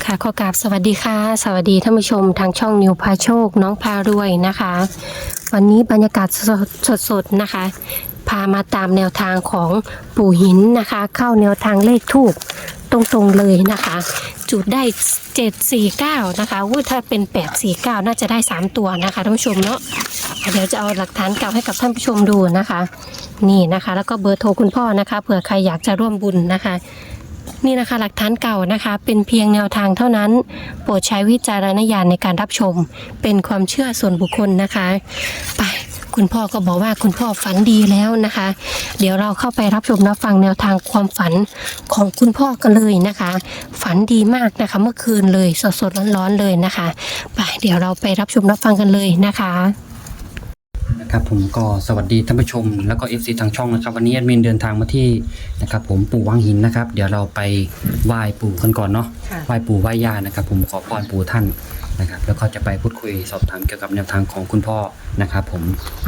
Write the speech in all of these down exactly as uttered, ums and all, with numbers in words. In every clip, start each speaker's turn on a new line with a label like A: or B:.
A: ค่ะขอกราบสวัสดีค่ะสวัสดีท่านผู้ชมทางช่องนิวพาโชคน้องพารวยนะคะ วันนี้บรรยากาศสดๆนะคะ พามาตามแนวทางของปู่หินนะคะ เข้าแนวทางเลขทูปตรงๆเลยนะคะ จุดได้เจ็ดสี่เก้านะคะว่าถ้าเป็นแปดสี่เก้าน่าจะได้สามตัวนะคะท่านผู้ชมเนาะเดี๋ยวจะเอาหลักฐานเก่าให้กับท่านผู้ชมดูนะคะ นี่นะคะแล้วก็เบอร์โทรคุณพ่อนะคะเผื่อใครอยากจะร่วมบุญนะคะนี่นะคะหลักฐานเก่านะคะเป็นเพียงแนวทางเท่านั้นโปรดใช้วิจารณญาณในการรับชมเป็นความเชื่อส่วนบุคคลนะคะไปคุณพ่อก็บอกว่าคุณพ่อฝันดีแล้วนะคะ เดี๋ยวเราเข้าไปรับชมรับฟังแนวทางความฝันของคุณพ่อกันเลยนะคะ ฝันดีมากนะคะเมื่อคืนเลยสดๆร้อนๆเลยนะคะไปเดี๋ยวเราไปรับชมรับฟังกันเลยนะคะ
B: นะครับผมก็สวัสดีท่านผู้ชมแล้วก็ เอฟ ซี ทางช่องนะครับวันนี้แอดมินเดินทางมาที่นะครับผมปู่วังหินนะครับเดี๋ยวเราไปไหว้ปู่กันก่อนเนาะไหว้ปู่ไหว้ย่านะครับผมขอพรปู่ท่านนะครับแล้วก็จะไปพูดคุยสอบถามเกี่ยวกับแนวทางของคุณพ่อนะครับผม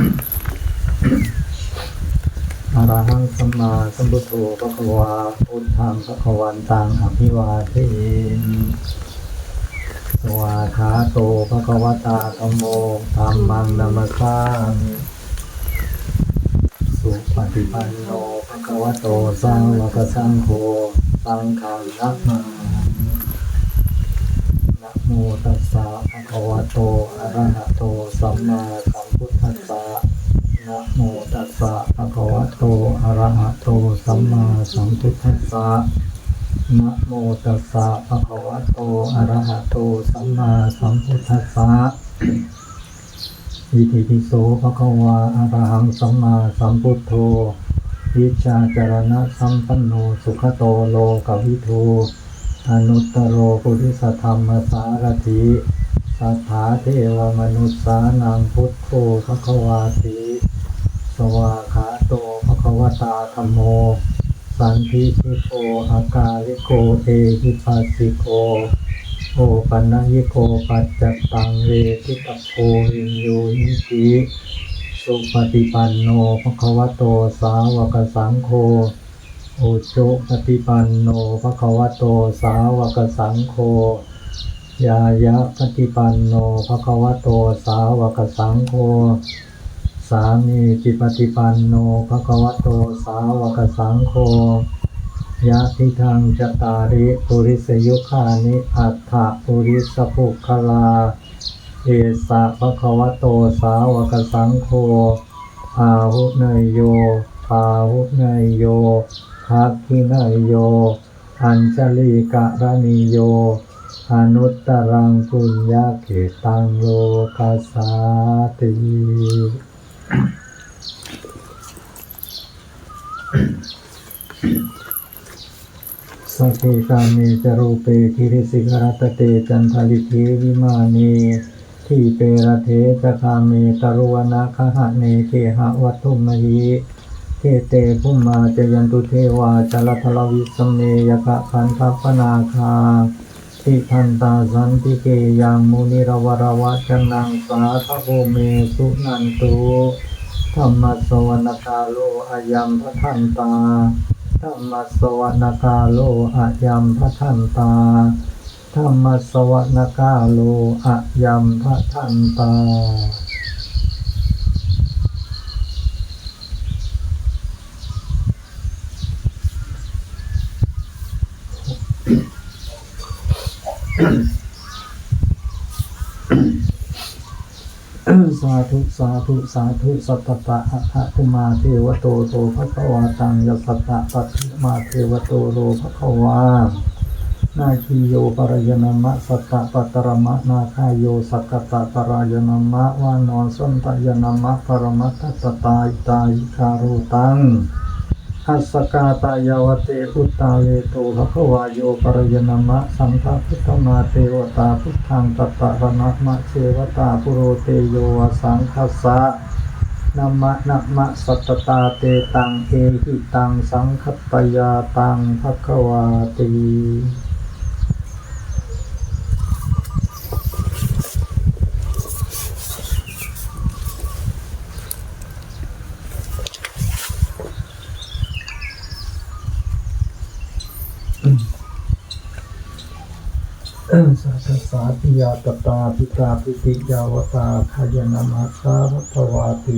C: อรหังสัมมาสัมพุทโธภควาพุทธังภควันตังอภิวาเทสวาขาโตภควตาธัมโมธัมมังนัมสสามิสุปฏิปันโนภควโตสาวกสังโฆสังฆังนัมมามินะโมตัสสะภะคะวะโตอะระหะโตสัมมาสัมพุทธัสสะนะโมตัสสะภะคะวะโตอะระหะโตสัมมาสัมพุทธัสสะนะโมตัสสะภะคะวะโตอะระหะโตสัมมาสัมพุทธัสสะอิติปิโสภะคะวะอะระหังสัมมาสัมพุทโธวิชาจารณะสัมปันโนสุขโตโลกวิทูอนุตตโรปุริสธรรมสารถิสัทธาเทวมนุสสานังพุทโธภะคะวาติสวาขาโตภะคะวตาธัมโมสันทิทิโกอากาลิโกเอหิปัสสิโกโอปันญิโกปัจจตังเวทิตโพวินโยนิติสุปฏิปันโนภะคะวะโตสาวกสังโฆโอโจปฏิปันโนภะคะวะโตสาวกสังโฆยายะปฏิปันโนภะคะวะโตสาวกสังโฆสามีจิปฏิปันโนภะคะวะโตสาวกสังโฆยะทิทังจตาริปุริสยุคานิอัฏฐปุริสภุคลาเอสะภะคะวะโตสาวกสังโฆอาหุเนยโยปาหุเนยโยทักขิเนยโยอัญชลีกะระนิโยอนุตตรังปุญญาเขตังโลกัสสาติสัพเพกาเมจรูเปกิริสิกรตเตจันทลิเทวิมานีทีเประเทจคาเมตรุวนาคหะเนเคหะวัตถุมหีเทเตภุมมาจยันตุเทวาจลทลวิสเมยกะคันทัพปนาคาทิทันตาสันติเกยังมุนิรวรวัจนังสาทโภเมสุนันตุธรรมสวรคาโลอายัมพทันตาธรรมสวรคาโลอายัมพทันตาธรรมสวรคาโลอายัมพทันตาสาธุสาธุสาธุสัตตะอะทะคุมาเทวโตโตภะคะวาตังยัสสตะปัตถิมาเทวโตโลภะคะวานาคีโยปรายนามะสัตตะปัตตรมะนาคายโยสักกตะปรายนามะวานอนสันตยนามะปรมัตตตตาอิตายิคารุตังอัสสกาตายาวเตอุตตาเวโตภะคะวาโยปรายนามะสังฆพุทธมาเทวตาพุทธังตัตตะระนะมะเทวตาปุโรเตโยวสังคัสสะนะมะนะมะสัตตตาเตตังเอหิตังสังคัตตยาตังภะคะวาติสัทสาธิยาตตาพิตาปิติยาวตาขยานามาสาวัตวาติ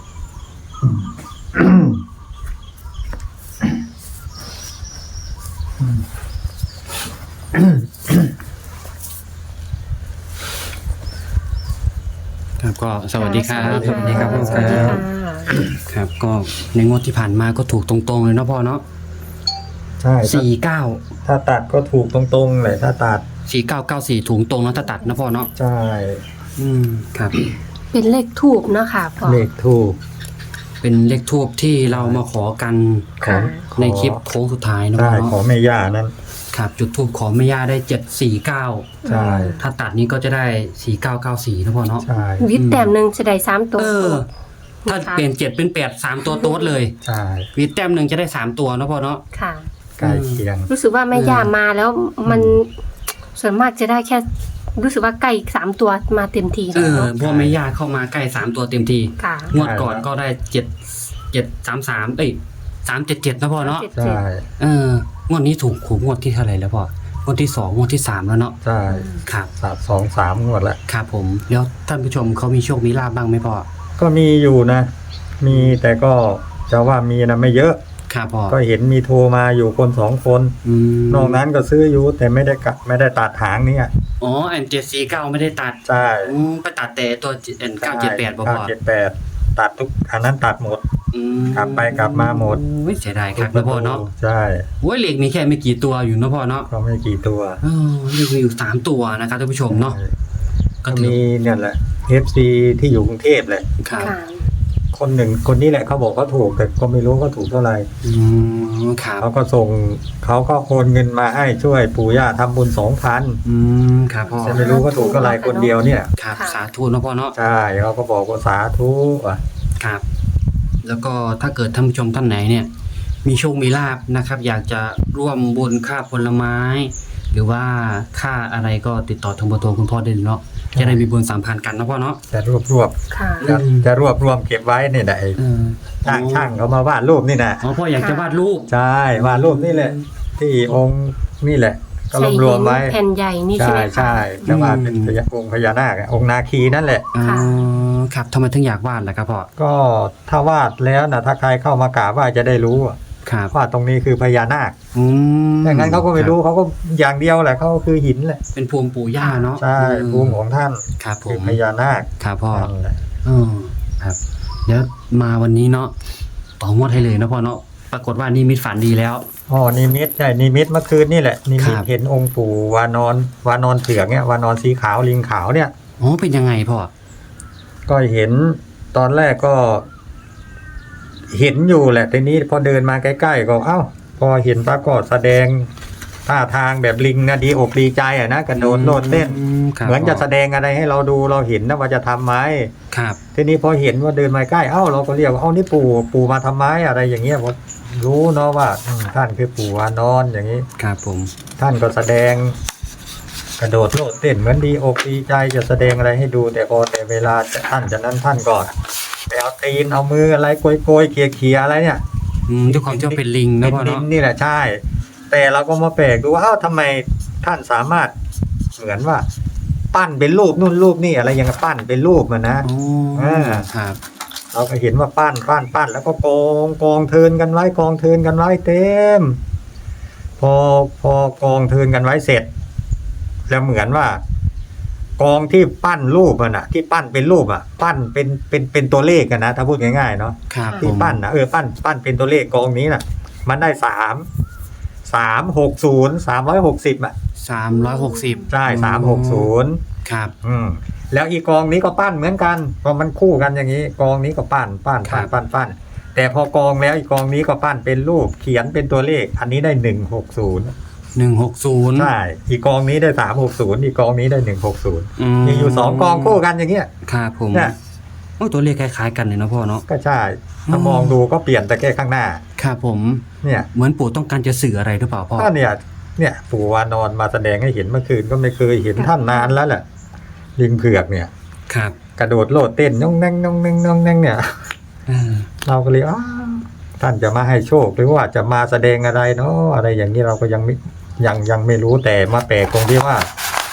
B: ครับก็สวัสดีครับ
A: สวัสดีครับ
B: พ่อ
A: สวัสดีค่ะ
B: ครับ ก็ในงวดที่ผ่านมาก็ถูกตรงๆเลยเนาะพ่อเนาะ
C: ใช่ถ้า
B: สี่เก้า
C: ถ้าตัดก็ถูกตรงๆเลยถ้าตัด
B: สี่เก้าเก้าสี่ถูกตรงแล้วถ้าตัดนะพ่อเนาะ
C: ใช่
B: อืมครับ
A: เป็นเลขทูบเนาะค่ะพ่อ
C: เลขถูก
B: เป็นเลขทูบที่เรามาขอกัน
C: ของ
B: ในคลิปโค้งสุดท้ายนะพ่
C: ใช่
B: อ
C: ขอ
B: เนาะ
C: แม่ย่านั้น
B: ครับจุดทูบขอแม่ย่าได้เจ็ดสี่เก้า
C: ใช่
B: ถ้าตัดนี้ก็จะได้สี่เก้าเก้าสี่นะพ่อเนาะ
C: ใช่
A: วิทย์แต้มหนึ่งจะได้สามตัว
B: เออ ถ้าเปลี่ยนเจ็ดเป็นแปดสามตัวโต๊ดเลย
C: ใช่
B: วีแต้มหนึ่งจะได้สามตัวนะพ่อเนาะ
A: ค่ะ
C: ใกล้เคียง
A: รู้สึกว่าแม่ย่ามาแล้วมันส่วนมากจะได้แค่ รู้สึกว่าใกล้สามตัวมาเต็มที
B: เอ
A: แล้ว
B: อ
A: เนาะ
B: พวกแม่ย่าเข้ามาใกล้สามตัวเต็มที
A: ค่ะ
B: งวดก่อนก็ได้เจ็ดเจ็ดสามสามเอ้ยสามเจ็ดเจ็ดนะพ่อเนาะ
A: เจ็ด
C: ใช่
B: เอองวดนี้ถูกขูงวดที่เท่าไหร่แล้วพ่องวดที่สองงวดที่สามแล้วเนาะ
C: ใช่
B: ครับ
C: สามสองสามงวดละ
B: ครับผมแล้วท่านผู้ชมเขามีโชคมีลาบบ้างไหมพ่อ
C: ก็มีอยู่นะ มีแต่ก็จะว่ามีนะไม่เยอะ
B: ครับพ่อ
C: ก็เห็นมีโทรมาอยู่คนสองคน
B: อืม
C: นอกนั้นก็ซื้ออยู่แต่ไม่ได้กะไม่ได้ตัดหางเนี่ย
B: อ๋อแอนเจ็ดสี่เก้าไม่ได้ตัด
C: ใช่
B: อืมไปตัดแต่ตัวเอ็นเก้าเจ็ดแปดพ่อ
C: เก้า
B: พ่อ
C: เจ็ดแปดตัดทุกอันนั้นตัดหมด
B: อืม
C: กลับไปกลับมาหมด
B: โอ้ยเสียดายครับนะพ่อเนาะ
C: ใช่
B: โอ้ยเหล็กมีแค่ไม่กี่ตัวอยู่นะพ่อเนาะ
C: ก็ไม่กี่ตัว
B: เออเหล็กมีอยู่สามตัวนะครับท่านผู้ชมเนาะ ก็
C: ก็
B: ถือ
C: มีเนี่ยแหละ เอฟ ซี ที่อยู่กรุงเทพแหละ
B: ครับ
A: ค่ะ
C: คนหนึ่งคนนี้แหละเขาบอกเขาถูกแต่ก็ไม่รู้เขาถูกเท่าไหร่
B: อืมครับ
C: เขาก็ส่งเขาก็โอนเงินมาให้ช่วยปู่ย่าทำบุญสองพัน
B: อืมครับพ่อ
C: แต่ไม่รู้เขาถูกเท่าไหร่คนเดียวเนี่ย
B: ครับ
A: ค่ะ
B: สาธุนะพ่อเนาะ
C: ใช่เขาก็บอกว่าสาธุอ่ะ
B: ครับ แล้วก็ถ้าเกิดท่านผู้ชมท่านไหนเนี่ย มีโชคมีลาบนะครับ อยากจะร่วมบุญค่าผลไม้ หรือว่าค่าอะไรก็ติดต่อทางเบอร์โทรคุณพ่อได้เลยเนาะจะได้มีบุญสามพันกันนะพ่อเนาะ
C: จะรวบรวบ
A: ค่ะ
C: จะจะรวบรวมเก็บไว้นี่แหละไอ้
B: เออ
C: ช่างช่างเขามาวาดรูปนี่นะ
B: อ๋อพ่ออยากจะวาดรูป
C: ใช่วาดรูปนี่แหละ ที่องค์นี่แหละ ก็รวบรวมไว้
A: ใส่หินแผ่นใหญ่นี่ใช่
C: ใช่
A: ไหมคะ
C: ใช่จะวาดเป็นพญาองค์พญานาคอะองค์นาคีนั่นแหละ
B: อ๋อ
A: ค่ะ
B: ครับทำไมถึงอยากวาดล่ะครับพ่อ
C: ก็ถ้าวาดแล้วนะถ้าใครเข้ามากราบไหว่าจะได้รู้อะ
B: ครับ
C: ว่าตรงนี้คือพญานาค
B: อืม
C: อย่างนั้นเขาก็ไม่รู้เขาก็อย่างเดียวแหละเขาก็คือหินแหละ
B: เป็นภูมิปู่ย่าเนาะ
C: ใช่ภูมิของท่าน
B: ครับผ
C: คือ
B: ม
C: พญานาค
B: ครับพ่อ
C: นั่นแหละ
B: อ๋อครับเดี๋ยวมาวันนี้เนาะต่องวดให้เลยนะพ่อเนาะปรากฏว่านี่มิตฝันดีแล้ว
C: อ๋อนิมิตใช่นิมิตเมื่อคืนนี่แหละนิมิต
B: ครับ
C: เห็นองค์ปู่วานอนวานอนเผือกเนี่ยวานอนสีขาวลิงขาวเนี่ย
B: อ๋อเป็นยังไงพ่อ
C: ก็เห็นตอนแรกก็ เห็นอยู่แหละทีนี้พอเดินมาใกล้ๆก็เอ้า พอเห็นปรากฏแสดงท่าทางแบบลิงนะดีอกดีใจอ่ะนะกระโดดโลดเต้น
B: ครับ
C: เหมือนจะ
B: พ่
C: แสดงอะไรให้เราดูเราเห็นนะว่าจะทำไหม
B: ครับ
C: ทีนี้พอเห็นว่าเดินมาใกล้เอ้าเราก็เรียกว่าเอ้านี่ปู่ปู่มาทำไมอะไรอย่างเงี้ยผมรู้เนาะว่าอืมท่านคือปู่วานอนอย่างนี้
B: ครับผม
C: ท่านก็แสดง กระโดดโลดเต้นเหมือนดีอกดีใจจะแสดงอะไรให้ดูแต่พอแต่เวลาจะท่านจากนั้นท่านก็ไปเอาตีนเอามืออะไรโกยโกยๆเขี่ยเขี่ยๆอะไรเนี่ย
B: อืมด้วยความที่ว่าเป็นลิงนะ
C: เป็น
B: พ่อ
C: ดิน
B: เนาะ
C: นี่แหละใช่ แต่เราก็มาแปลกดูว่าอ้าวทำไมท่านสามารถเหมือนว่า ปั้นเป็นรูปนู่นรูปนี่อะไรอย่างเงี้ยปั้นเป็นรูปมันนะ
B: อ๋อ
C: อ่า
B: ครับ
C: เราก็เห็นว่าปั้นปั้นปั้นแล้วก็กองกองเทินกันไว้กองเทินกันไว้เต็ม พอพอกองเทินกันไว้เสร็จ แล้วเหมือนว่า กองที่ปั้นรูปมันอะที่ปั้นเป็นรูปอะปั้นเป็นเป็นเป็นตัวเลขกันนะถ้าพูดง่ายๆเนาะ
B: ครับผ
C: ที่
B: ม
C: ปั้นนะเออปั้นปั้นเป็นตัวเลขกองนี้น่ะ มันได้สามสามหกศูนย์สามร้อยหกสิบอ่ะ
B: สามร้อยหกสิบ
C: ใช่สามหกศูนย์
B: ครับ
C: อืมแล้วอีกกองนี้ก็ปั้นเหมือนกันพอมันคู่กันอย่างนี้ กองนี้ก็ปั้นปั้นปั้นปั้นปั้นแต่พอกองแล้วอีกกองนี้ก็ปั้นเป็นรูปเขียนเป็นตัวเลข อันนี้ได้หนึ่งหกศูนย์
B: หนึ่งหกศูนย์
C: ใช่อีกกองนี้ได้สามหกศูนย์อีกกองนี้ได้หนึ่งหกศูนย์
B: ม
C: มีอยู่สองกองคู่กันอย่างเงี้ย
B: ครับผม
C: เนี่ย
B: โอ้ตัวเลขคล้ายๆกันเลยนะพ่อเนาะ
C: ก็ใช่ถ้ามองดูก็เปลี่ยนแต่แค่ข้างหน้า
B: ครับผม
C: เนี่ย
B: เหมือนปู่ต้องการจะสื่ออะไรหรือเปล่าพ่อ
C: ก็เนี่ย เนี่ยปู่วานอนมาแสดงให้เห็นเมื่อคืนก็ไม่เคยเห็นท่านนานแล้วแหละลิงเผือกเนี่ย
B: ครับ
C: กระโดดโลดเต้นน้องแน่งน้องแน่งน้องแน่งเนี่ย
B: เออ
C: เราก็เลยอ้าวท่านจะมาให้โชคหรือว่าจะมาแสดงอะไรเนาะอะไรอย่างนี้เราก็ยังไม่ยังยังไม่รู้แต่มาแปลกตรงที่ว่า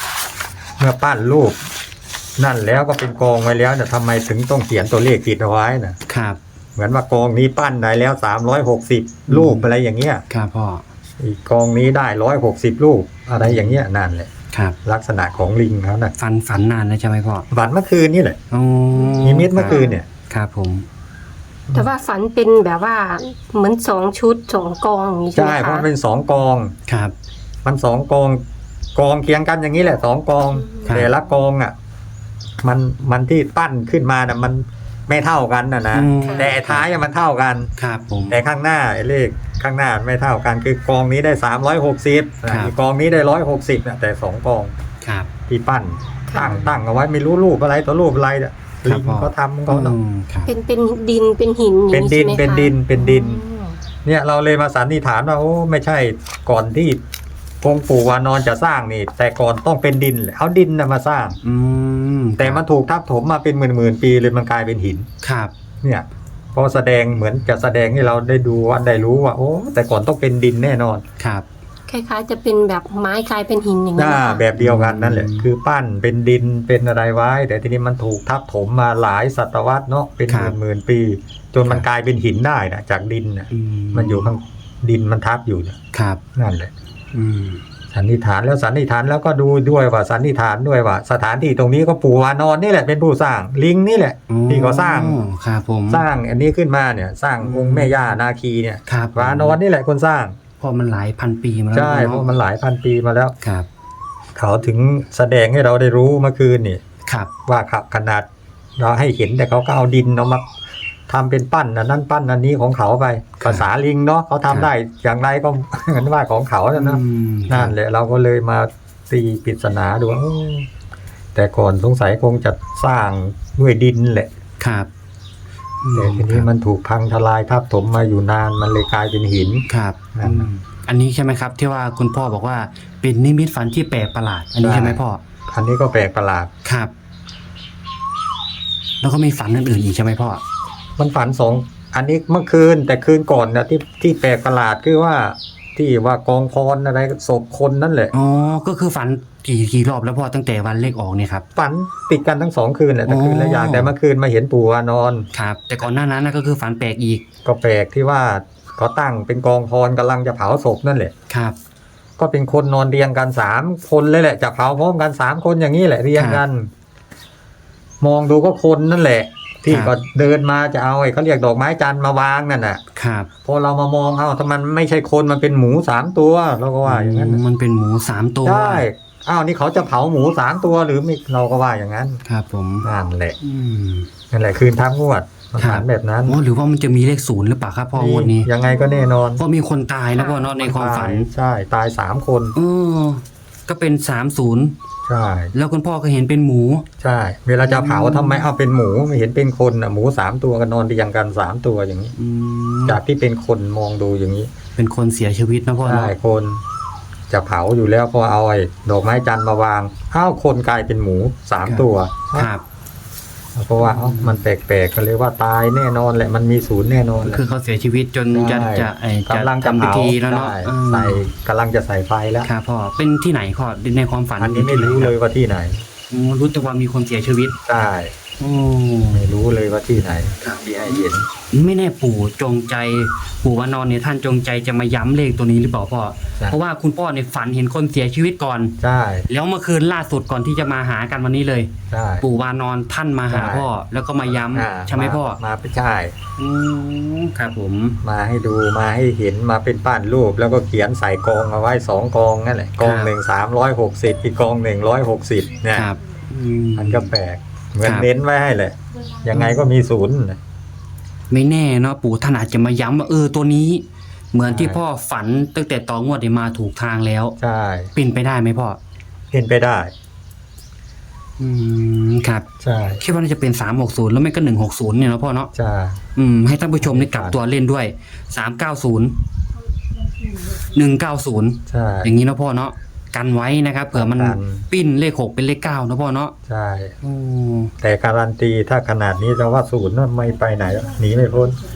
C: เมื่อปั้นรูปนั่นแล้วก็เป็นกองไว้แล้วเนี่ยทำไมถึงต้องเขียนตัวเลขติดเอาไว้นะครับ เหมือนว่ากองนี้ปั้นได้แล้วสามร้อยหกสิบรูปอะไรอย่างเงี้ย
B: ครับพ่อ
C: อีกกองนี้ได้ร้อยหกสิบรูปอะไรอย่างเงี้ยนั่นแหละ
B: ครับ
C: ลักษณะของลิงเขานะ
B: ฝันฝันนานแล้วใช่ไหมพ่อ
C: ฝันเมื่อคืนนี่แหละ
B: อ๋อ
C: นิมิตเมื่อคืนเนี่ย
B: ครับผม
A: แต่ว่าฝันเป็นแบบว่าเหมือนสองชุดสองกองอย่างนี้ใช่ไห
C: ใช่
A: ม
C: เพราะ
A: คะ
C: เป็นสองกอง
B: ครับ
C: มันสองกองกองเคียงกันอย่างนี้แหละสองกอง
B: ครับ
C: แต่ละกองอ่ะมันมันที่ปั้นขึ้นมาน่ะมันไม่เท่ากันนะนะ
B: อืม
C: แต่ท้ายอะมันเท่ากัน
B: ครับผม
C: แต่ข้างหน้าไอ้เลขข้างหน้าไม่เท่ากันคือกองนี้ได้สามร้อยหกสิบ
B: ครับ
C: อีกกองนี้ได้ร้อยหกสิบนะแต่สองกอง
B: ครับ
C: ที่ปั้นตั้งตั้งเอาไว้ไม่รู้รูปอะไรตัวรูปอะไรเนี่ย
B: ครั
C: ลิ
B: บ
C: ง
B: พ่อ
C: เขาทำเขาเนาะ
B: อืมครับ
A: เป็นเป็นดินเป็นหินอย่าง
C: เป็น
A: นี้
C: ดิ
A: ใช่
C: น
A: ไหมคะ
C: เป็นดินเป็นดิน
A: อืม
C: เนี่ยเราเลยมาสันนิษฐานว่าโอ้ไม่ใช่ก่อนที่องค์ปู่วานอนจะสร้างนี่ แต่ก่อนต้องเป็นดินแหละเอาดินนะมาสร้าง
B: อืม
C: แต่มันถูกทับถมมาเป็นหมื่นหมื่นๆปีเลยมันกลายเป็นหิน
B: ครับ
C: เนี่ยพอแสดงเหมือนจะแสดงให้เราได้ดูว่าได้รู้ว่าโอ้แต่ก่อนต้องเป็นดินแน่นอน
B: ครับ
A: คล้ายๆจะเป็นแบบไม้กลายเป็นหินอย่างนี้
C: หน้า
A: นะคะ
C: แบบเดียวกันนั่นแหละ
B: อืม
C: คือปั้นเป็นดินเป็นอะไรไว้ แต่ทีนี้มันถูกทับถมมาหลายศตวรรษเนาะเป็นหมื่นหมื่นๆปี จนมันกลายเป็นหินได้นะจากดินนะ
B: อื
C: มันอยู่ข้างดินมันทับอยู่เนี่ย
B: ครับ
C: นั่นแหละ
B: อืม
C: สันนิษฐานแล้วสันนิษฐานแล้วก็ดูด้วยว่าสันนิษฐานด้วยว่า สถานที่ตรงนี้ก็ปู่วานอนนี่แหละเป็นผู้สร้างลิงนี่แหละ ที่เขาสร้าง
B: อ๋อครับผม
C: สร้างอันนี้ขึ้นมาเนี่ยสร้างองค์แม่ย่านาคีเนี่ย
B: ครับ
C: วานอนนี่แหละคนสร้าง
B: เพราะมันหลายพันปีมาแล้ว
C: ใช่เพ
B: เนาะ
C: ราะมันหลายพันปีมาแล้ว
B: ครับ
C: เขาถึงแสดงให้เราได้รู้เมื่อคืนนี่
B: ครับ
C: ว่าขับขนาดเราให้เห็นแต่เขาก็เอาดินเอามาทำเป็นปั้นอันนั้นปั้นอันนี้ของเขาไปภาษาลิงเนาะเขาทำได้อย่างไรก็ เหมือนว่าของเขาแล้วนะ
B: อืม
C: นั่นแหละเราก็เลยมาตีปริศนาดูว่าโอ้แต่ก่อนสงสัยคงจะสร้างด้วยดินแหละ
B: ครับอืม
C: แต่ทีนี้มันถูกพังทลายทับถมมาอยู่นานมันเลยกลายเป็นหิน
B: ครับ
C: นั่นน่ะ
B: อืมอันนี้ใช่ไหมครับ ที่ว่าคุณพ่อบอกว่าเป็นนิมิตฝันที่แปลกประหลาด อันนี้
C: ใช่
B: ใช่ไหมพ่อ
C: อันนี้ก็แปลกประหลาด
B: ครับ แล้วก็มีฝันอื่นๆอีกใช่ไหมพ่อ
C: มันฝันสองอันนี้เมื่อคืนแต่คืนก่อนนะที่ที่แปลกประหลาดคือว่าที่ว่ากองพรอะไรศพคนนั่นแหละ
B: อ๋อ ก็คือฝันกี่กี่รอบแล้วพ่อตั้งแต่วันเลขออกเนี่ยครับ
C: ฝันติดกันทั้งสองคืนแหละแต่
B: อ๋อ
C: คืนละอย่างแต่เมื่อคืนมาเห็นปู่วานอน
B: ครับ แต่ก่อนหน้านั้นนะก็คือฝันแปลกอีก
C: ก็แปลกที่ว่าเขาตั้งเป็นกองพรกำลังจะเผาศพนั่นแหละ
B: ครับ
C: ก็เป็นคนนอนเรียงกันสามคนเลยแหละจะเผาพร้อมกันสามคนอย่างนี้แหละเรียงกัน มองดูก็คนนั่นแหละ ที่
B: ครับ
C: ก็เดินมาจะเอาไอ้เขาเรียกดอกไม้จันทร์มาวางนั่นน่ะ
B: ครับ
C: พอเรามามองเอาถ้ามันไม่ใช่คนมันเป็นหมูสามตัวเราก็ว่าอย่างนั้นน่ะ
B: มันเป็นหมูสามตัว
C: ใช่อ้าวนี่เขาจะเผาหมูสามตัวหรือไม่เราก็ว่าอย่างนั้น
B: ครับผม
C: นั่นแหละ
B: อืม
C: นั่นแหละคืนทับงวดมัน
B: ครับ
C: ฝันแบบนั้น
B: อ๋อหรือว่ามันจะมีเลขศูนย์หรือเปล่าครับพ่องวดนี้
C: ยังไงก็แน่นอน
B: เพราะมีคนตายนะพ่อเนาะในความฝัน
C: ใช่ตายสามคน
B: เออก็เป็นสามศูนย์
C: ใช่
B: แล้วคุณพ่อก็เห็นเป็นหมู
C: ใช่ เวลาจะเผาทำไมเอาเป็นหมูไม่เห็นเป็นคนอ่ะหมูสามตัวกันนอนเรียงกันสามตัวอย่างนี้
B: อืม
C: จากที่เป็นคนมองดูอย่างนี้
B: เป็นคนเสียชีวิตนะพ่อ
C: ใช่
B: เนาะ
C: คนจะเผาอยู่แล้วพอเอาไอ้ดอกไม้จันทร์มาวางอ้าวคนกลายเป็นหมูสามตัว
B: ครับ
C: เพราะว่าเอ้ามันแปลกๆก็เลยว่าตายแน่นอนแหละมันมีศูนย์แน่นอนแหละ
B: คือเขาเสียชีวิตจนจะ
C: ใช่
B: จะไอ้จะ
C: กำลังจะ
B: ทำพิ
C: เผา
B: ธีแล้วเนาะ
C: ใช่
B: เออ
C: ใส่กำลังจะใส่ไฟแล้ว
B: ครับพ่อเป็นที่ไหนพ่อในความฝัน
C: อันนี้ไม่รู้เลยว่าที่ไหน
B: อ๋อรู้แต่ว่ามีคนเสียชีวิต
C: ใช่
B: โอ้
C: ไม่รู้เลยว่าที่ไหน
B: ครับ
C: ที่ให้เห็น
B: ไม่แน่ปู่จงใจปู่วานอนเนี่ยท่านจงใจจะมาย้ำเลขตัวนี้หรือเปล่าพ่อ
C: ใช่
B: เพราะว่าคุณพ่อเนี่ยฝันเห็นคนเสียชีวิตก่อน
C: ใช่
B: แล้วเมื่อคืนล่าสุดก่อนที่จะมาหากันวันนี้เลย
C: ใช่
B: ปู่วานอนท่านมาหา
C: ใช่
B: พ่อ แล้วก็มาย้
C: อ่า
B: ำใช่ไหมพ่อ
C: มาไปใช่
B: อืมครับผม
C: มาให้ดูมาให้เห็นมาเป็นปั้นรูปแล้วก็เขียนใส่กองเอาไว้สองกองนั่นแหละกองหนึ่งสามร้อยหกสิบอีกกองหนึ่งร้อยหกสิบเนี่ย
B: ครับอืม
C: มันก็แปลกเหมือน
B: ครับ
C: เน้นไว้ให้เลยยังไงก็มีศูนย์น่ะ
B: ไม่แน่เนาะปู่ท่านอาจจะมาย้ำว่าเออตัวนี้ เหมือนที่
C: ใช่
B: พ่อฝันตั้งแต่ตอนงวดเนี่ยมาถูกทางแล้ว
C: ใช่
B: เป็นไปได้ไหมพ่อ
C: เห็นไปได้
B: อืมครับ
C: ใช่
B: คิดว่าน่าจะเป็นสามหกศูนย์แล้วไม่ก็หนึ่งหกศูนย์เนี่ยเนาะพ่อเนาะ
C: ใช่
B: อืมให้ท่านผู้ชมได้กลับตัวเล่นด้วยสามเก้าศูนย์หนึ่งเก้าศูนย์
C: ใช่
B: อย่างนี้เนาะพ่อเนาะกันไว้นะครับเผื่อมัน
C: กัน
B: ปิ้นเลขหกเป็นเลขเก้าเนาะพ่อเนาะ
C: ใช่
B: โอ้
C: แต่การันตีถ้าขนาดนี้เราว่าศูนย์น่ะไม่ไปไหนหรอกหนีไม่พ้น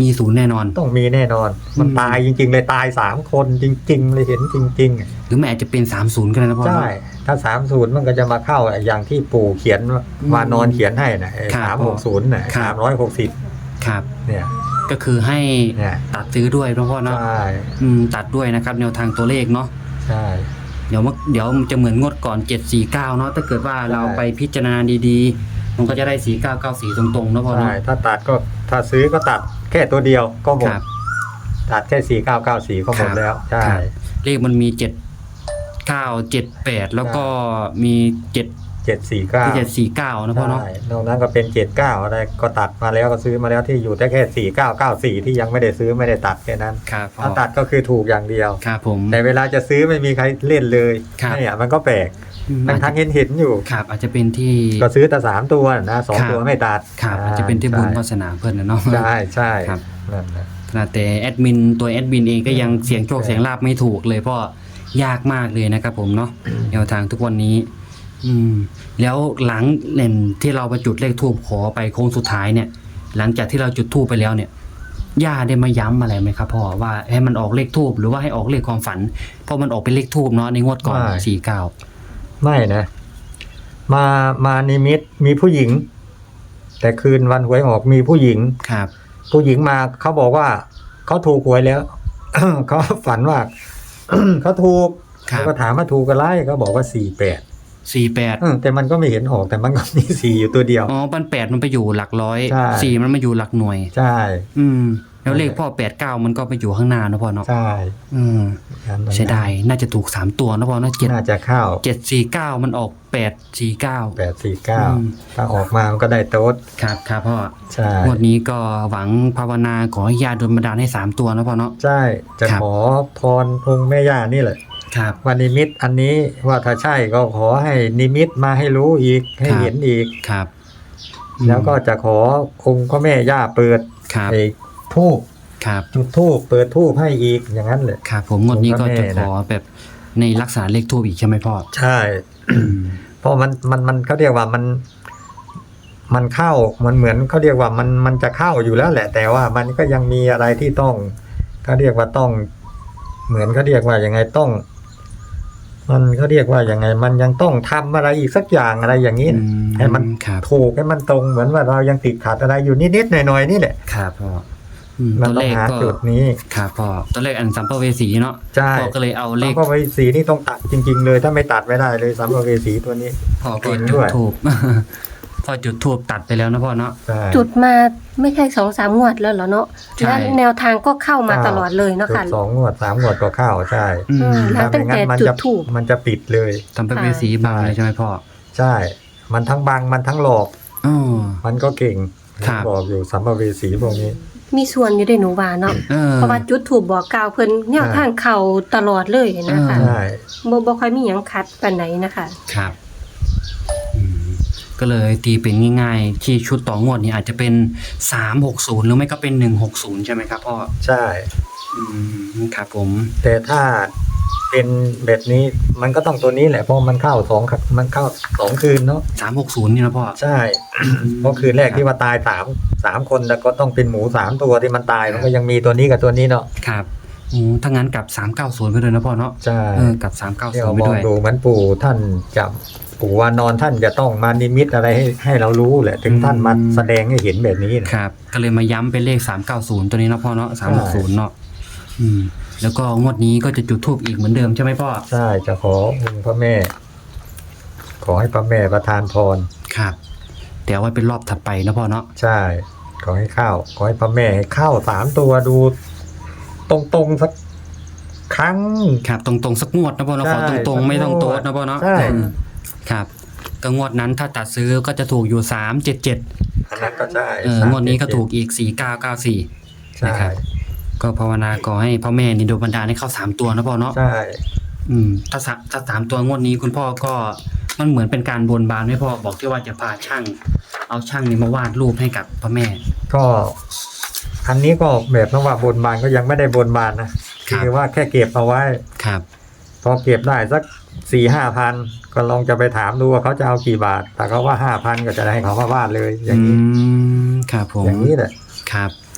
B: มีศูนย์แน่นอน
C: ต้องมีแน่นอน มัน
B: อืม
C: ตายจริงๆเลยตายสามคนจริงๆเลยเห็นจริง
B: หรือแม่อาจจะเป็นสามศูนย์ก็ได้นะพ่อ
C: ๆ ใช่
B: เนาะ
C: ถ้าสามศูนย์มันก็จะมาเข้าอย่างที่ปู่เขียน
B: อืม
C: วานอนเขียนให้นะ
B: ครั
C: สา
B: บ
C: มหกศูนย์นะ
B: ครั
C: สา
B: บ
C: มร้อยหกสิบ
B: ครับ
C: เนี่ย
B: ก็คือให้
C: เนี่ย
B: ตัดซื้อด้วยนะพ่อเนาะ
C: ใช่
B: อืมตัดด้วยนะครับแนวทางตัวเลขเนาะ
C: ใช่
B: เดี๋ยวมันเดี๋ยวมันจะเหมือนงวดก่อนเจ็ดสี่เก้าเนาะถ้าเกิดว่าเรา
C: ใช่
B: ไปพิจารณาดีๆ มันก็จะได้สี่เก้าเก้าสี่ตรงๆนะพ่อ
C: ใช่
B: เนาะ
C: ถ้าตัดก็ถ้าซื้อก็ตัดแค่ตัวเดียวก็หมด
B: ครับ
C: ตัดแค่สี่เก้าเก้าสี่ก็หมดแล้วใช่
B: ครับเลขมันมีเจ็ดเก้าเจ็ดแปดแล้วก็มีเจ็ด
C: เจ็ดสี่เก้า
B: เจ็ดสี่เก้านะพ่อเนาะ
C: ใช่นอกนั้นก็เป็นเจ็ดเก้าอะไรก็ตัดมาแล้วก็ซื้อมาแล้วที่อยู่ได้แค่สี่เก้าเก้าสี่ที่ยังไม่ได้ซื้อไม่ได้ตัดแค่นั้น
B: ครับพ่อ
C: ถ้าตัดก็คือถูกอย่างเดียว
B: ครับผม
C: แต่เวลาจะซื้อไม่มีใครเล่นเลย
B: ครับ
C: เนี่ยมันก็แปลก
B: อืม
C: ทั้งทั้งเห็นเห็นๆอยู่
B: ครับอาจจะเป็นที่
C: ก็ซื้อแต่สามตัวนะสอง
B: ครับ
C: ตัวไม่ตัด
B: ครับอาจจะเป็นที่บุญวาสนาเพื่อนนะเนาะ
C: ใช่ใช่
B: ครับ
C: นั่นแหละ
B: ขนาดแต่แอดมินตัวแอดมินเองก็ยังเสียงโชค
C: ใช่
B: เสียงลาบไม่ถูกเลยเพราะยากมากเลยนะครับผมเนาะแนวทางทุกวันนี้ อืม แล้วหลังเล่นที่เราไปจุดเลขทูบขอไปโค้งสุดท้ายเนี่ย หลังจากที่เราจุดทูบไปแล้วเนี่ยย่าได้มาย้ำอะไรไหมครับพ่อว่าให้มันออกเลขทูบหรือว่าให้ออกเลขความฝันเพราะมันออกเป็นเลขทูบเนาะในงวดก่อนสี่เก้า
C: ไม่นะ มามานิมิตมีผู้หญิง แต่คืนวันหวยออกมีผู้หญิง
B: ครับ
C: ผู้หญิงมาเขาบอกว่าเขาถูกหวยแล้ว เขาฝันว่า เขาถูก
B: ครับ
C: เขาก็ถามว่าถูกอะไรเขาบอกว่าสี่แปด
B: สี่แปด
C: แต่มันก็ไม่เห็นออกแต่มันก็มีสี่อยู่ตัวเดียว
B: อ๋อปันแปดมันไปอยู่หลักร้อย
C: ใช่
B: สี่มันมาอยู่หลักหน่วย
C: ใช่
B: อืม แล้วเลขพ่อแปดเก้ามันก็ไปอยู่ข้างหน้าเนอะพ่อเนาะ
C: ใช่
B: อืม เสียดายน่าจะถูกสามตัวนะพ่อเนาะเจ็ด
C: น่าจะเข้า
B: เจ็ดสี่เก้ามันออกแปดสี่เก้า
C: แปดสี่เก้า
B: อืม
C: ถ้าออกมามันก็ได้โต๊ด
B: ครับครับพ่อ
C: ใช่
B: งวดนี้ก็หวังภาวนาขอให้ญาติโดนบันดาลให้สามตัวนะพ่อเนาะ
C: ใช่จะ
B: ครับ
C: ขอพรองค์แม่ย่านี่แหละ
B: ครับ
C: ว่านิมิตอันนี้ว่าถ้าใช่ก็ขอให้นิมิตมาให้รู้อีกให้
B: ครับ
C: เห็นอีก
B: ครับ
C: แล้วก็จะขอองค์พระแม่ย่าเปิด
B: ครับ
C: ไอ้ทูบ
B: ครับ
C: จุดทูบเปิดทูบให้อีกอย่างนั้นเลย
B: ครับผมงวดนี้ก็จะ
C: องค์พระแม่
B: ข
C: นะ
B: อแบบในลักษณะเลขทูบอีกใช่ไหมพ่อ
C: ใช่ เพราะมันมันมันเขาเรียกว่ามัน มันเข้ามันเหมือนเขาเรียกว่ามันมันจะเข้าอยู่แล้วแหละ แต่ว่ามันก็ยังมีอะไรที่ต้องเขาเรียกว่าต้อง เหมือนเขาเรียกว่ายังไงต้อง มันเขาเรียกว่ายังไง มันยังต้องทำอะไรอีกสักอย่างอะไรอย่างนี้
B: อื
C: นะ
B: ม
C: ให้มัน
B: ครับ
C: ถูกให้มันตรงเหมือนว่าเรายังติดขัดอะไรอยู่นิดๆหน่อยๆนี่แหละ
B: ครับพ่ออืม
C: มัน
B: ตัว
C: ต้อ
B: เล
C: ง
B: ข
C: หา
B: ก็
C: จุดนี้
B: ครับพ่อตัวเลขอันสัมภเวสีเนาะ
C: ใช่
B: พ่อก็เลยเอาเล
C: แล้
B: ข
C: วก็ไว้สีนี่ต้องตัดจริง ๆ เลยถ้าไม่ตัดไม่ได้เลยสัมภเวสีตัวนี้
B: พ่อก็
C: จริง
B: จุ
C: ด้
B: ด
C: วย
B: ทูบ พ่อจุดทูบตัดไปแล้วนะพ่อเนาะ
C: ใช่
A: จุดมาไม่ใช่สองสามงวดแล้วเหรอเนาะ
B: ใช่
A: และแนวทางก็เข้ามาตลอดเลยเนาะ
C: จุ
A: ค่ะ
C: ดสองงวดสามงวดก็เข้าใช่
B: อื
A: อื
B: ม
A: ม แล้วตั้งแต่
C: มั
A: จุด
C: จะ
A: ธูป
C: มันจะปิดเลย
B: สัมภเวสีบางเลยใช่ไหมพ่อ
C: ใช่ มันทั้งบังมันทั้งหลอก
B: อ๋อ
C: มันก็เก่ง
B: ครับ
C: บอกอยู่สัมภเวสีพวกนี้
A: มีส่วนอยู่ในหนูว่าเนาะ
B: เออ
A: เพราะว่าจุดถูกบอกกล่าวเพิ่นแนวทางเข้าตลอดเลยนะคะ
B: อ่า
C: ใช่
A: บ่บ่ค่อยมีหยังคัดปานไหนนะคะ
B: ครับอืมก็เลยตีเป็นง่ายๆ ที่ชุดต่องวดนี้อาจจะเป็นสามหกศูนย์หรือไม่ก็เป็นหนึ่งหกศูนย์ใช่ไหมครับพ่อ
C: ใช่
B: อืมครับผม
C: แต่ถ้าเป็นแบบนี้มันก็ต้องตัวนี้แหละเพราะมันเข้าสองครับมันเข้าสองคืนเนาะ
B: สามหกศูนย์นี่นะพ่อ
C: ใช่ เพราะคืนแรกที่ว่าตายสามสามคนแล้วก็ต้องเป็นหมูสามตัวที่มันตายมันก็ยังมีตัวนี้กับตัวนี้เนาะ
B: ครับอืมถ้างั้นกลับสามเก้าศูนย์ไปเลยนะพ่อเนาะ
C: ใช่
B: เออกลับสามเก้า
C: ที่
B: ศูน
C: เรา
B: ย์ไป
C: มอง
B: ด้วย
C: ดูเหมือนปู่ท่านจะปู่วานอนท่านจะต้องมานิมิตอะไรให้ให้เรารู้แหละ ถึงท่านมาแสดงให้เห็นแบบนี้นะครับ
B: ก็เลยมาย้ำเป็นเลขสามเก้าศูนย์ตัวนี้เนาะพ่อเนาะสามหกศูนย์เนาะอืม แล้วก็งวดนี้ก็จะจุดธูปอีกเหมือนเดิมใช่ไหมพ่อ
C: ใช่จะขอองค์พระแม่ ขอให้พระแม่ประทานพร
B: ครับแต่เอาไว้เป็นรอบถัดไปนะพ่อเนาะ
C: ใช่ ขอให้เข้าขอให้พระแม่ให้เข้าสามตัวดู ตรงๆสักครั้ง
B: ครับตรงๆสักงวดนะพ่อเนาะขอ
C: ใช่
B: ตรงๆไม่ต้องโต๊ดนะพ่อเนาะ
C: ใช่
B: อืมครับก็งวดนั้นถ้าตัดซื้อก็จะถูกอยู่สามเจ็ดเจ็ด
C: อันนั้นก็ใช่
B: เอองวดนี้ก็ถูกอีกสี่เก้าเก้าสี่
C: ใช่
B: นะครับ ก็ภาวนาขอให้พ่อแม่นี่โดนบันดาลให้เข้าสามตัวนะพ่อเนาะ
C: ใช่
B: อืมถ้าสามถ้าสามตัวงวดนี้คุณพ่อก็มันเหมือนเป็นการบนบานให้พ่อบอกที่ว่าจะพาช่าง เอาช่างนี่มาวาดรูปให้กับพ่อแม่
C: ก็อันนี้ก็แบบนว่าบนบานก็ยังไม่ได้บนบานนะคือว่าแค่เก็บเอาไว้
B: ครับ
C: พอเก็บได้สักสี่ห้าพันก็ลองจะไปถามดูว่าเขาจะเอากี่บาท แต่เขาว่าห้าพันก็จะให้เขามาวาดเลย อย่างนี้
B: อืมครับผม
C: อย่างนี้แหละ
B: ครับ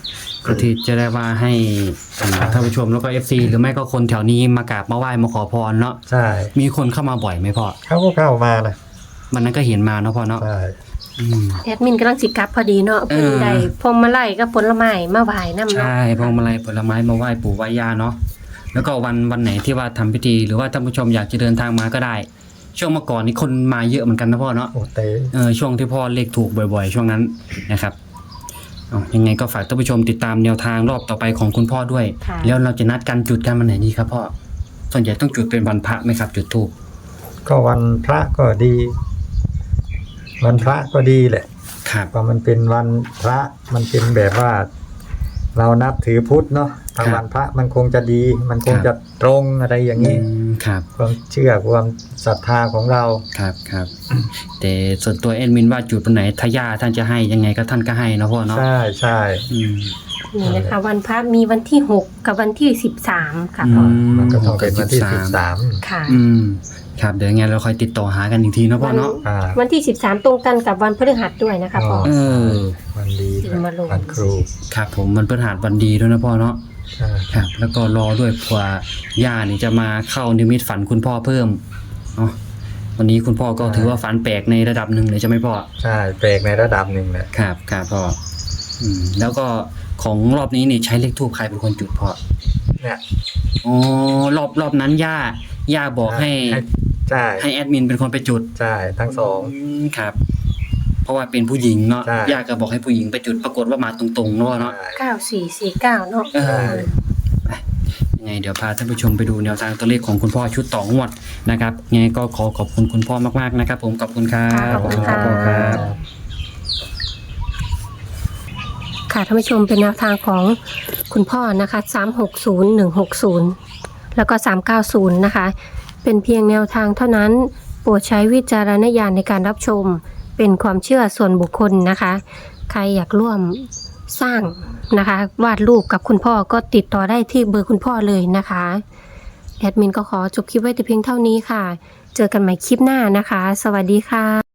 B: ก็ที่จะได้ว่าให้อ่าท่านผู้ชมแล้วก็ เอฟ ซี หรือไม่ก็คนแถวนี้มากราบมาไหว้มาขอพรเนาะ
C: ใช่
B: มีคนเข้ามาบ่อยไหมพ่อ
C: เขาก็เข้ามานะ
B: วันนั้นก็เห็นมาเนาะพ่อเนาะ
C: ใช่
B: อืม
A: แอดมินกำลังสิกลับพอดีเนาะ
B: เอ
A: เพิ่
B: อ
A: นได้พวงมาลัยกับผลไม้มาไหว้นำเนาะ
B: ใช่พวงมาลัยผลไม้มาไหว้ปู่ไหว้ย่าเนาะแล้วก็วันวันไหนที่ว่าทำพิธีหรือว่าท่านผู้ชมอยากจะเดินทางมาก็ได้ ช่วงเมื่อก่อนนี้คนมาเยอะเหมือนกันนะพ่อเนาะ
C: โอ้เตะ
B: เออช่วงที่พ่อเลขถูกบ่อยๆ ช่วงนั้นนะครับเอายังไงก็ฝากท่านผู้ชมติดตามแนวทางรอบต่อไปของคุณพ่อด้วย
A: ค่ะ
B: แล้วเราจะนัดกันจุดกันวันไหนดีครับพ่อส่วนใหญ่ต้องจุดเป็นวันพระไหมครับ จุดธูป
C: ก็วันพระก็ดี วันพระก็ดีแหละ
B: ครับ
C: เพราะมันเป็นวันพระมันเป็นแบบว่า เรานับถือพุทธเนาะทางวันพระมันคงจะดี มันคงจะตรงอะไรอย่าง
B: อื
C: นี้
B: มครับ
C: ความเชื่อความศรัทธาของเรา
B: ครับครับแต่ส่วนตัวแอดมินว่าจุดวันไหนถ้าย่าท่านจะให้ยังไงก็ท่านก็ให้เนาะพ่อเนาะ
C: ใช่ใช่
B: อืม
A: นี่นะคะวันพระมีวันที่หกกับวันที่สิบสามค่ะ
B: อื
A: พ่อ
C: มันก็ต้องเป็นวันที่สิบสาม
A: ค่ะ
B: อืมครับเดี๋ยวยังไงเราคอยติดต่อหากันอีกทีเนาะพ่อเนาะ
C: อ่า
A: วันที่สิบสามตรงกันกับวันพฤหัสด้วยนะคะพ่อ
B: เออ
C: วันดี
A: สิมาลง
C: วันครู
B: ครับผมมันเป็นหาดวันดีด้วยนะพ่อเนาะ
C: ใช่
B: ครับแล้วก็รอด้วยเผื่อย่านี่จะมาเข้านิมิตฝันคุณพ่อเพิ่มเนาะวันนี้คุณพ่อก็ถือว่าฝันแปลกในระดับหนึ่งเลยใช่ไหมพ่อ
C: ใช่แปลกในระดับหนึ่งแหละ
B: ครับครับพ่ออืมแล้วก็ของรอบนี้นี่ใช้เลขทูปใครเป็นคนจุดพ่อ
C: เนี่ย
B: อ๋อรอบรอบนั้นย่าย่าบอกให้
C: ใช่
B: ให้แอดมินเป็นคนไปจุด
C: ใช่ทั้งสอง
B: มครับ เพราะว่าเป็นผู้หญิงเนาะ
C: ใช่
B: ย่าก็บอกให้ผู้หญิงไปจุดปรากฏว่ามาตรงๆเนาะเนาะ
C: ใช่
A: เก้าสี่สี่เก้าเนาะ
B: เออ ยังไงเดี๋ยวพาท่านผู้ชมไปดูแนวทางตัวเลขของคุณพ่อชุดต่องวดนะครับยังไงก็ขอขอบคุณคุณพ่อมากๆนะครับ ผมขอบคุณครับ
A: ขอบคุณค่ะ
B: ขอบณรับ
A: ค่ะท่านผู้ชมเป็นแนวทางของคุณพ่อนะคะสามหกศูนย์หนึ่งหกศูนย์แล้วก็สามเก้าศูนย์นะคะเป็นเพียงแนวทางเท่านั้นโปรดใช้วิจารณญาณในการรับชมเป็นความเชื่อส่วนบุคคลนะคะ ใครอยากร่วมสร้างนะคะวาดรูปกับคุณพ่อก็ติดต่อได้ที่เบอร์คุณพ่อเลยนะคะแอดมินก็ขอจบคลิปไว้แต่เพียงเท่านี้ค่ะ เจอกันใหม่คลิปหน้านะคะ สวัสดีค่ะ